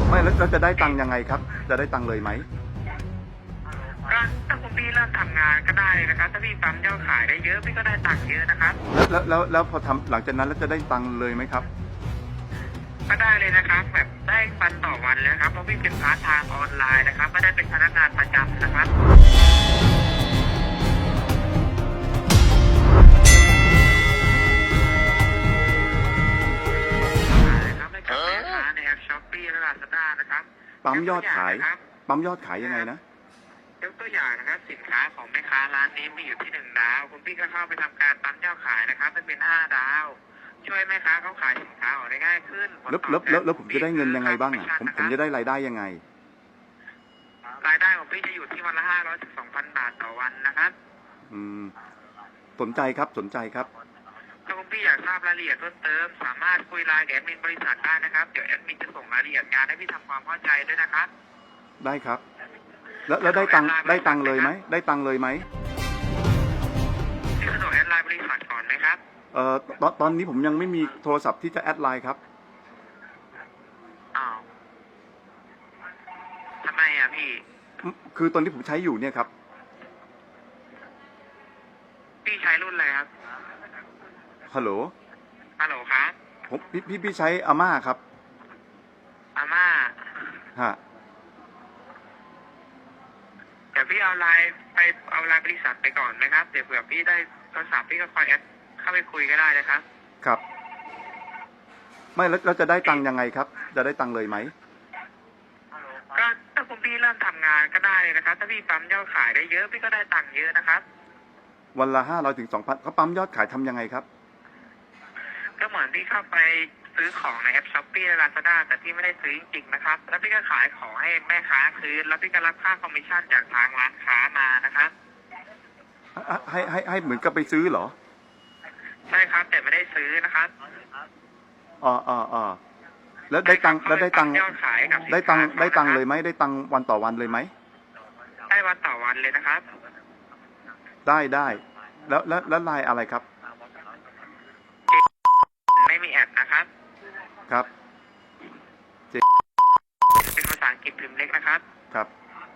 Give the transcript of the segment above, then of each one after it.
ไม่แล้วจะได้ตังค์ยังไงครับจะได้ตังค์เลยไหมก็ถ้าคุณพี่เริ่มทำงานก็ได้เลยนะครับถ้าพี่ปั๊มยอดขายได้เยอะพี่ก็ได้ตังค์เยอะนะครับแล้วพอทำหลังจากนั้นแล้วจะได้ตังค์เลยไหมครับก็ได้เลยนะครับแบบได้วันต่อวันเลยนะครับเพราะพี่เป็นพาร์ทไทม์ออนไลน์นะครับก็ได้เป็นพนักงานประจำนะครับนะครับให้กับแม่ค้าในแอปช้อปปี้และลาซาด้านะครับปั๊มยอดขายยังไงนะยกตัวอย่างนะครับสินค้าของแม่ค้าร้านนี้มีอยู่ที่1 ดาวคุณพี่ก็เข้าไปทำการปั๊มยอดขายนะครับเป็น5 ดาวช่วยแม่ค้าเขาขายสินค้าออกได้ง่ายขึ้นแล้วผมจะได้เงินยังไงบ้างอ่ะผมจะได้รายได้ยังไงรายได้ของพี่จะอยู่ที่วันละ500 ถึง 2,000 บาทต่อวันนะครับสนใจครับถ้าคุณพี่อยากทราบรายละเอียดเพิ่มเติมสามารถคุยไลน์กับแอดมินบริษัทได้นะครับเดี๋ยวแอดมินจะส่งรายละเอียดงานให้พี่ทำความเข้าใจด้วยนะครับได้ครับแล้วได้ตังค์เลยไหมได้ตังค์เลยไหมพี่สะดวกแอดไลน์บริษัทก่อนไหมครับตอนนี้ผมยังไม่มีโทรศัพท์ที่จะแอดไลน์ครับอ้าวทำไมอ่ะพี่คือตอนที่ผมใช้อยู่เนี่ยครับพี่ใช้รุ่นอะไรครับฮัลโหลครับผมพี่ใช้อาม่าครับอาม่าฮะเดี๋ยวพี่เอาไลน์บริษัทไปก่อนไหมครับเดี๋ยวเผื่อพี่ได้โทรศัพท์พี่ก็คอยแอดเข้าไปคุยก็ได้นะครับครับไม่แล้วจะได้ตังค์ยังไงครับจะได้ตังค์เลยไหมก็ถ้าคุณพี่เริ่มทำงานก็ได้เลยนะครับถ้าพี่ปั๊มยอดขายได้เยอะพี่ก็ได้ตังค์เยอะนะครับวันละ500 ถึง 2,000เขาปั๊มยอดขายทำยังไงครับก็เหมือนพี่เข้าไปซื้อของในแอปช้อปปี้และลาซาด้าแต่พี่ไม่ได้ซื้อจริงๆนะครับแล้วพี่ก็ขายของให้แม่ค้าคืนแล้วพี่ก็รับค่าคอมมิชชั่นจากทางร้านค้ามานะครับให้เหมือนกับไปซื้อเหรอใช่ครับแต่ไม่ได้ซื้อนะครับแล้วได้ตังค์ยอดขายกับได้ตังค์เลยไหมได้ตังค์วันต่อวันเลยไหมได้วันต่อวันเลยนะครับได้แล้วไลน์อะไรครับไม่มีแอดนะครับครับเป็นภาษาอังกฤษพิมพ์เล็กนะครับครับ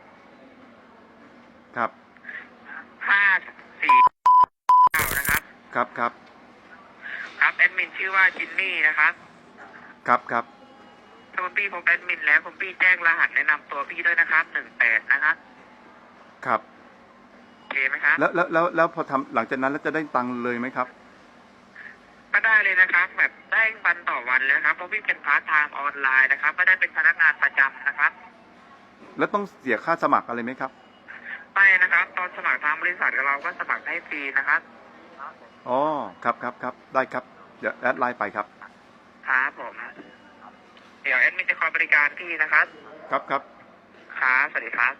549นะครับครับแอดมินชื่อว่าจินนี่นะครับครับถ้าคุณพี่พบแอดมินแล้วคุณพี่แจ้งรหัสแนะนำตัวพี่ด้วยนะครับ18นะครับครับโอเคไหมครับแล้วพอทำหลังจากนั้นแล้วจะได้ตังค์เลยไหมครับก็ได้เลยนะครับแบบได้วันต่อวันเลยนะครับเพราะพี่เป็นพาร์ทไทม์ออนไลน์นะครับก็ได้เป็นพนักงานประจำนะครับแล้วต้องเสียค่าสมัครอะไรไหมครับไม่นะครับตอนสมัครทางบริษัทเราก็สมัครให้ฟรีนะครับอ๋อครับได้ครับเดี๋ยวแอดไลน์ไปครับครับผมเดี๋ยวแอดมินจะคอยบริการพี่นะครับครับครับสวัสดีครับ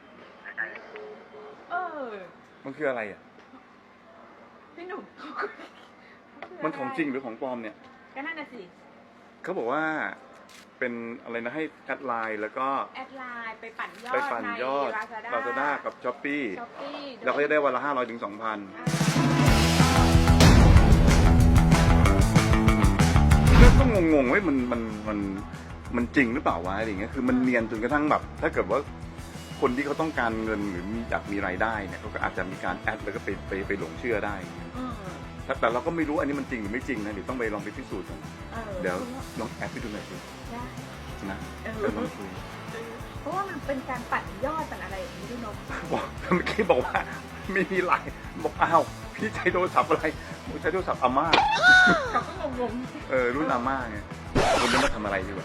มันคืออะไรอ่ะพี่หนุ่มมันของจริงหรือของปลอมเนี่ยก็นั่นน่ะสิเขาบอกว่าเป็นอะไรนะให้แอดไลน์แล้วก็แอดไลน์ไปปั่นยอดในลาซาด้ากับช้อปปี้เราก็จะได้วันละ500 ถึง 2,000ก็งงๆไว้มันจริงหรือเปล่าวะอะไรอย่างเงี้ยคือมันเนียนจนกระทั่งแบบถ้าเกิดว่าคนที่เขาต้องการเงินหรืออยากมีรายได้เนี่ยเขาก็อาจจะมีการแอดแล้วก็ไปหลงเชื่อได้แต่เราก็ไม่รู้อันนี้มันจริงหรือไม่จริงนะเดี๋ยวต้องไปลองไปพิสูจน์กันเดี๋ยวลองแอดไปดูหน่อยสินะลองคุยเพราะว่ามันเป็นการปั่นยอดปั่นอะไรอย่างนี้ด้วยเนาะบอกเมื่อกี้บอกว่าไม่มีไลน์บอกอ้าวพี่ใช้โทรศัพท์อะไรผมใช้โทรศัพท์อาม่าเขาก็งงรุ่นอาม่าไงวันนี้มาทำอะไรดีวะ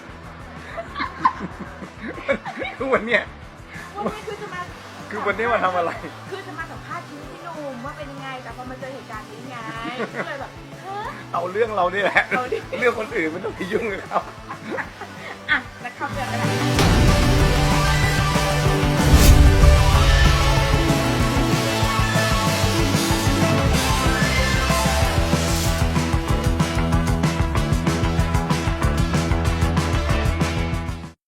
คือวันนี้คือวันนี้มาทำอะไรคือจะมาสัมภาษณ์ชีวิตพี่หนุ่มว่าเป็นยังไงแต่พอมาเจอเหตุการณ์นี้ไงก็เลยแบบเอาเรื่องเรานี่แหละเรื่องคนอื่นไม่ต้องไปยุ่งกับเขา